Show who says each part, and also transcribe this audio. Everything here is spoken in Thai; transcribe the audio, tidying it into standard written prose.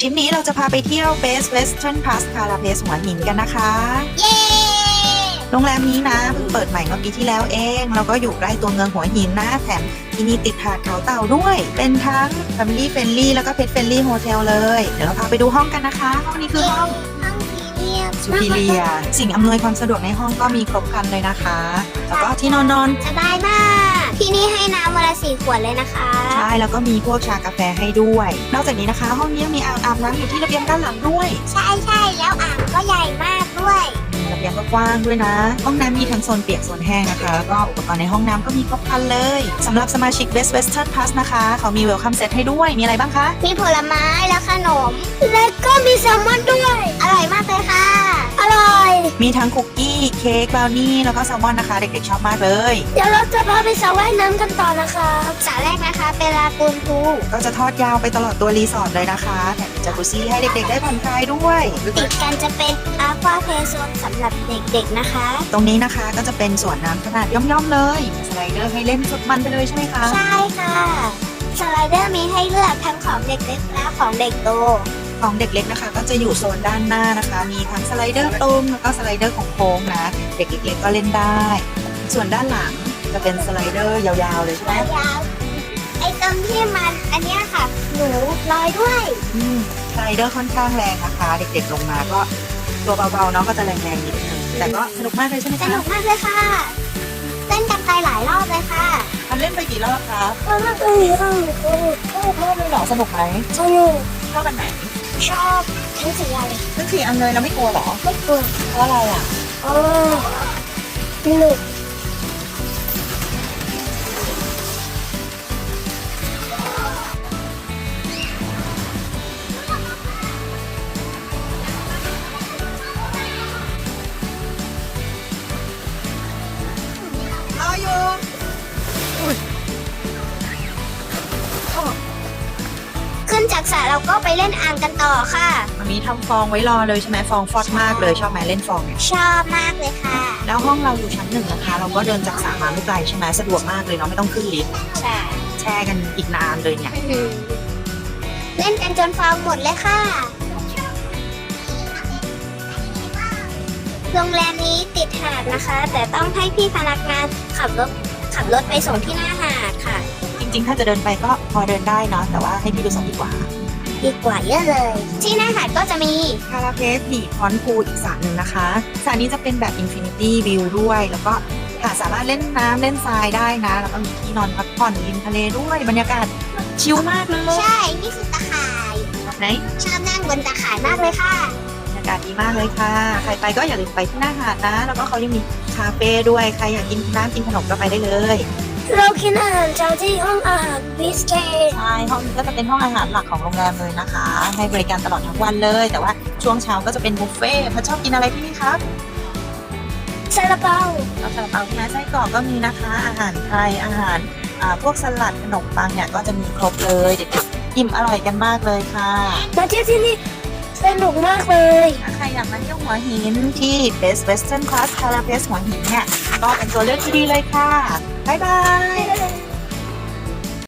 Speaker 1: ทริปนี้เราจะพาไปเที่ยว Best Western Pass Calapace หัวหินกันนะคะ
Speaker 2: เย้
Speaker 1: โรงแรมนี้นะเพิ่งเปิดใหม่เมื่อปีที่แล้วเองแล้วก็อยู่ใกล้ตัวเมืองหัวหินนะแถมที่นี่ติดหาดเขาเต่าด้วย เป็นทั้ง Family Friendly แล้วก็ Pet Friendly Hotel เลยเดี๋ยวเราพาไปดูห้องกันนะคะห้องนี้คือห้อง
Speaker 2: ห้องพรีเมียม
Speaker 1: Superior สิ่งอำนวยความสะดวกในห้องก็มีครบครันเลยนะคะแล้วก็ที่นอน
Speaker 2: สบายมาก ที่นี่ให้น้ำวันละ4 ขวดเลยนะคะ
Speaker 1: ใช่แล้วก็มีพวกชากาแฟให้ด้วย นอกจากนี้นะคะ ห้องนี้ยังมีอ่างอาบน้ำอยู่ที่ระเบียงด้านหลังด้วย
Speaker 2: ใช่แล้วอ่างก็ใหญ่มากด้วย
Speaker 1: ระเบียงก็กว้างด้วยนะ ห้องน้ำมีทั้งโซนเปียกโซนแห้งนะคะ แล้วก็อุปกรณ์ในห้องน้ำก็มีครบครันเลยสำหรับสมาชิก Best Western Pass นะคะเขามี Welcome Set ให้ด้วยมีอะไรบ้างคะ
Speaker 2: มีผลไม้และขนม และก็มีแซลมอนด้วย อร่อยมากเลยค่ะ อร่อย
Speaker 1: มีทั้งคุกกี้เค้กบราวนี่แล้วก็แซลมอนนะคะเด็กๆชอบมากเลย
Speaker 2: เดี๋ยวเราจะพาไปสระว่ายน้ำกันต่อนะคะสระแรกนะคะเป็นลากูนพูล
Speaker 1: ก็จะทอดยาวไปตลอดตัวรีสอร์ทเลยนะคะแถมมีจากุซี่ให้เด็กๆได้ผ่อนคลายด้วย
Speaker 2: ติดกันจะเป็นอาควาเพลย์โซนสำหรับเด็กๆนะคะ
Speaker 1: ตรงนี้นะคะก็จะเป็นสวนน้ำขนาดย่อมๆเลยมีสไลเดอร์ให้เล่นสุดมันไปเลยใช่ไหมคะ
Speaker 2: ใช่ค่ะสไลเดอร์มีให้เลือกทั้งของเด็กเล็กและของเด็กโต
Speaker 1: ของเด็กเล็กนะคะก็จะอยู่โซนด้านหน้านะคะ มีทั้งสไลเดอร์ตรงแล้วก็สไลเดอร์ของโค้งนะ เด็กเล็กๆก็เล่นได้ ส่วนด้านหลังจะเป็นสไลเดอร์ยาวๆเลยใช่ไหม
Speaker 2: ยาวๆไอ้ตรงที่มันอันเนี้ยค่ะ หนูลอยด้วย
Speaker 1: สไลเดอร์ค่อนข้างแรงนะคะ เด็กๆลงมาก็ตัวเบาๆเนาะก็จะแรงๆนิดนึงแต่ก็สนุกมากเลยใช่ไหม
Speaker 2: ส
Speaker 1: คะ
Speaker 2: นุกมากเลยค่ะ เล่นกันไปหลายรอบเลยค่ะ
Speaker 1: มันเล่นไปกี่รอบครับ
Speaker 2: สนุกเลยค่ะ
Speaker 1: รอบเลยเหรอสนุกไหม
Speaker 2: สนุก
Speaker 1: ชอบอันไหน
Speaker 2: ชอบทั้งสี่อย่างเลย
Speaker 1: ทั้ง4อันเลยแล้วไม่กลัวเหรอ
Speaker 2: ไม่กลัว
Speaker 1: เพราะอะไรอ่ะ
Speaker 2: สนุก
Speaker 1: รออยู่
Speaker 2: ขึ้นจากสระเราก็ไปเล่นอ่างกันต่อค่ะ
Speaker 1: มันมีทำฟองไว้รอเลยใช่ไหมฟองฟอดมากเลยชอบไหมเล่นฟองเนี่ย
Speaker 2: ชอบมากเลยค่ะ
Speaker 1: แล้วห้องเราอยู่ชั้น 1นะคะ เราก็เดินจากสระมาไม่ไกลใช่ไหมสะดวกมากเลยเนาะไม่ต้องขึ้นลิฟต์
Speaker 2: ใช่
Speaker 1: แช่กันอีกนานเลยเนี่ย
Speaker 2: เล่นกันจนฟองหมดเลยค่ะ โรงแรมนี้ติดหาดนะคะ แต่ต้องให้พี่พนักงานขับรถไปส่งที่หน้าหาดค่ะ
Speaker 1: จริงๆ ถ้าจะเดินไปก็พอเดินได้เนาะแต่ว่าให้พี่ดูสักดีกว่า
Speaker 2: ดีกว่าเยอะเลย ที่หน้าหาดก็จะมี
Speaker 1: คาราเพสบีพอนพูลอีกสระหนึ่งนะคะสระนี้จะเป็นแบบอินฟินิตี้วิวด้วย แล้วก็สามารถเล่นน้ำเล่นทรายได้นะ แล้วก็มีที่นอนพักผ่อนริมทะเลด้วยบรรยากาศชิลมากเลย
Speaker 2: ใช่ นี่คือตะข่าย
Speaker 1: ไหน
Speaker 2: ชอบนั่งบนตะข่ายมากเลยค่ะ
Speaker 1: บรรยากาศดีมากเลยค่ะ ใครไปก็อย่าลืมไปที่หน้าหาดนะ แล้วก็เขายังมีคาเฟ่ด้วยใครอยากกินน้ำกินขนมก็ไปได้เลย
Speaker 2: เรากินอาหารเช้าที่ห้องอาหารบิสเกต
Speaker 1: ใช่ห้องนี้ก็จะเป็นห้องอาหารหลักของโรงแรมเลยนะคะ ให้บริการตลอดทั้งวันเลย แต่ว่าช่วงเช้าก็จะเป็นบุฟเฟ่ต์ถ้าชอบกินอะไรที่นี่ครับ
Speaker 2: ซาลาเปา
Speaker 1: เอาซาลาเปาที่ร้านไส้กรอกก็มีนะคะ อาหารไทยอาหารพวกสลัดขนมปังเนี่ยก็จะมีครบเลยเด็กๆอิ่มอร่อยกันมากเลยค่ะ
Speaker 2: มาเที่ยวที่นี่สนุกมากเลย
Speaker 1: ถ้าใครอยากมาเที่ยวหัวหินที่ Best Western Class Calapace หัวหินเนี่ยก็เป็นตัวเลือกที่ดีเลยค่ะบ๊ายบาย